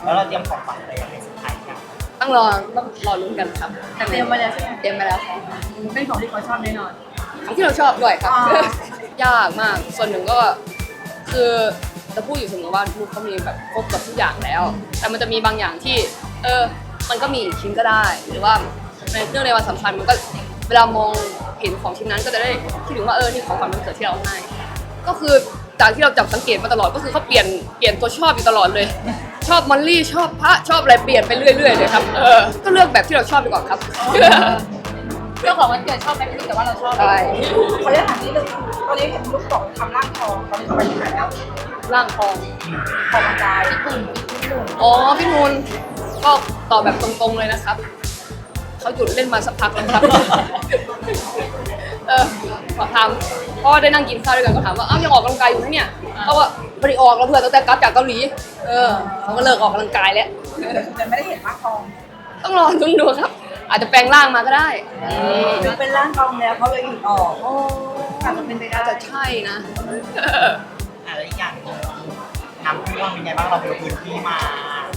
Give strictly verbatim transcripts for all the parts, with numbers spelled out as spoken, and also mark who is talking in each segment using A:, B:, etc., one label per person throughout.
A: แล้วเราเตรียมของขวัญอะไรยังไงสุดท้ายกัน
B: ต้องรอต้องรอลุ้นกันครับ
C: แต่เตรียมมาแล้วใช่ไหม
B: เตรียมไปแล้วครับ
C: เป็นของที่เขาชอบแน่นอน
B: ของที่เราชอบด้วยครับยากมากส่วนหนึ่งก็คือจะพูดอยู่เสมอว่าลูกเขามีแบบครบกับทุกอย่างแล้วแต่มันจะมีบางอย่างที่เออมันก็มีอีกชิ้นก็ได้หรือว่าในเรื่องในวันสำคัญมันก็เวลามองเห็นของชิ้นนั้นก็จะได้คิดถึงว่าเออนี่ของขวัญวันเกิดที่เราให้ก็คือจากที่เราจับสังเกตมาตลอดก็คือเขาเปลี่ยนเปลี่ยนตัวชอบอยู่ตลอดเลยชอบมอลลี่ชอบพระชอบอะไรเปลี่ยนไปเรื่อยๆเลยครับเออก็เลือกแบบที่เราชอบดีกว่าครับ
C: เรื่องของวันเกิดชอบไหมไม่รู้แต่ว่าเราชอบ
B: ใช่
C: เขาจะถามนี่เลยตอนนี้เห็นลูกบอกทำร่างทองตอนนี้เขาไปที่ไหนแล้ว
B: ร่างทอง
C: ออกกำลังกายญี่ปุ่นญี่ปุ่น
B: อ๋อพี่นูนก็ตอบแบบตรงๆเลยนะครับเขาหยุดเล่นมาสักพักแล้วครับเออขอถามเพราะว่าได้นั่งกินข้าวด้วยกันก็ถามว่าอ้าวยังออกกำลังกายอยู่ไหมเนี่ยเขาว่าไม่ได้ออกแล้วเพื่อนตั้งแต่กลับจากเกาหลีเออเขาก็เลิกออกกำลังกายแล้ว
C: แต่ไม่ได้เห็นร่างทอง
B: ต้องรอลุ้นดูครับอาจจะแปลงร่างมาก็ได้
C: เป็นร่างทองแล้วเขาเลยหยุดออกโอ้อาจจะเป็นไปได้
B: จะใช่นะ
A: อะไรอย่างน้ำท่วมเป็นไงบ้างเราไปลงพื้นที่มา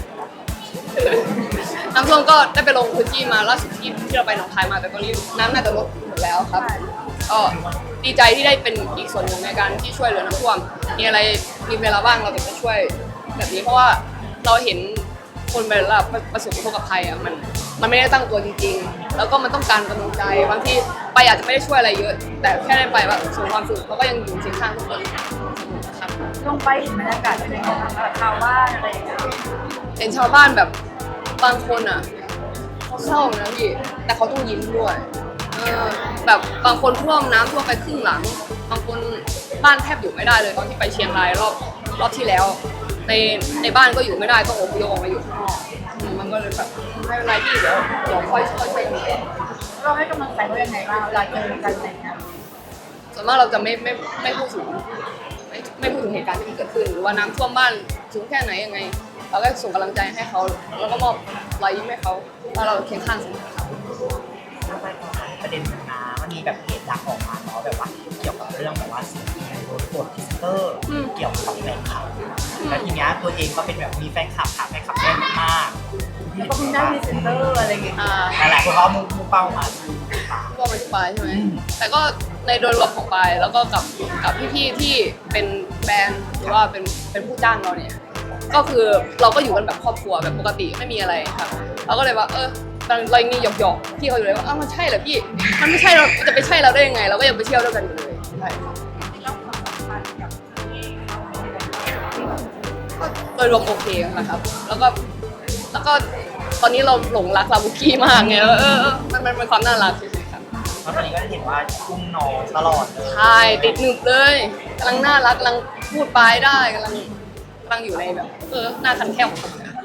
B: น้ำท่วมก็ได้ไปลงพื้นที่มาล่าสุดที่ที่เราไปหนองคายมาแต่ตอนนี้น้ำน่าจะลดหมดแล้วครับก็ดีใจที่ได้เป็นอีกส่วนหนึ่งในการที่ช่วยเหลือน้ำท่วมมีอะไรมีเวลาว่างเราจะไปช่วยแบบนี้เพราะว่าเราเห็นคนเวลาประสบอุทกภัยอ่ะมันมันไม่ได้ตั้งตัวจริงๆแล้วก็มันต้องการกำลังใจบางทีไปอาจจะไม่ได้ช่วยอะไรเยอะแต่แค่ได้ไปว่าส่งความสุขเขาก็ยังอยู่เคียงข้างทุกคนครับ
C: ลงไปเห็นบรรยากาศเป็นยังไงบ้างแบบชาวบ้านอะไรอย่างเงี้ย
B: เห็นชาวบ้านแบบบางคนอ่ะเขาเศร้านะพี่แต่เขาต้องยิ้มด้วยเออแบบบางคนท่วมน้ำท่วมไปครึ่งหลังบางคนบ้านแทบอยู่ไม่ได้เลยตอนที่ไปเชียงรายรอบรอบที่แล้วในในบ้านก็อยู่ไม่ได้ต้องอพยพออกมาอยู่ข้างนอกมันก็เลยแบบไม่เป็นไรพี่เดี๋ยวเดี๋ยวค่อยค่อยช่วยกัน
C: เราให้กำลังใจเขายังไงบ้างเวลาเจอกันอะไรเงี้ย
B: ส่วนมากเราจะไม่ไม่ไม่พูดถึงไม่ไม่พูดถึงเหตุการณ์ที่มันเกิดขึ้นหรือว่าน้ำท่วมบ้านสูงแค่ไหนยังไงเราก็ส่งกำลังใจให้เขาแล้วก็มอบรอยยิ้มให้เขาว่าเราเคียงข้างเสมอครับ
A: ประเด็นมันนะมันมีแบบเหตุการณ์ออกมาเนาะแบบว่าเกี่ยวกับเรื่องแบบว่าสิ่งที่โดนกดทิสเตอร์เกี่ยวกับแฟนคลับแล้วทีเนี้ยตัวเองก็เป็นแบบมีแฟนคลับหาแฟนคลับแน่นมาก
C: แล้วก็เพิ่งได้พรีเซนเตอร์อะไรอย่างเงี้ย
A: หลายคนเขามุ่งเป้ามา
B: ก็มาที่ปลายใช่ไหมแต่ก็ในโดยรวมของปลายแล้วก็กับกับพี่ๆที่เป็นแบรนด์หรือว่าเป็นเป็นผู้จ้างเราเนี่ยก็คือเราก็อยู่กันแบบครอบครัวแบบปกติไม่มีอะไรครับเราก็เลยว่าเออเรายังมีหยอกๆพี่เขาอยู่เลยว่าอ้าวมันใช่เหรอพี่มันไม่ใช่เราจะไปใช่เราได้ยังไงเราก็ยังไปเที่ยวด้วยกันอยู่เลยใช่โดยรวมโอเคนะครับแล้วก็แล้วก็ตอนนี้เราหลงรักลาบุกี้มากไงแล้วเออมันมันเป็นความน่ารักใช่ครับ
A: เพราะตอนนี้ก็เห็นว่าอุ้มน้องตลอดเลย
B: ใช่ติดหนึบเลยกำลังน่ารักกำลังพูดปลายได้กำลังกำลังอยู่ในแบบเออหน้าคันแค่ว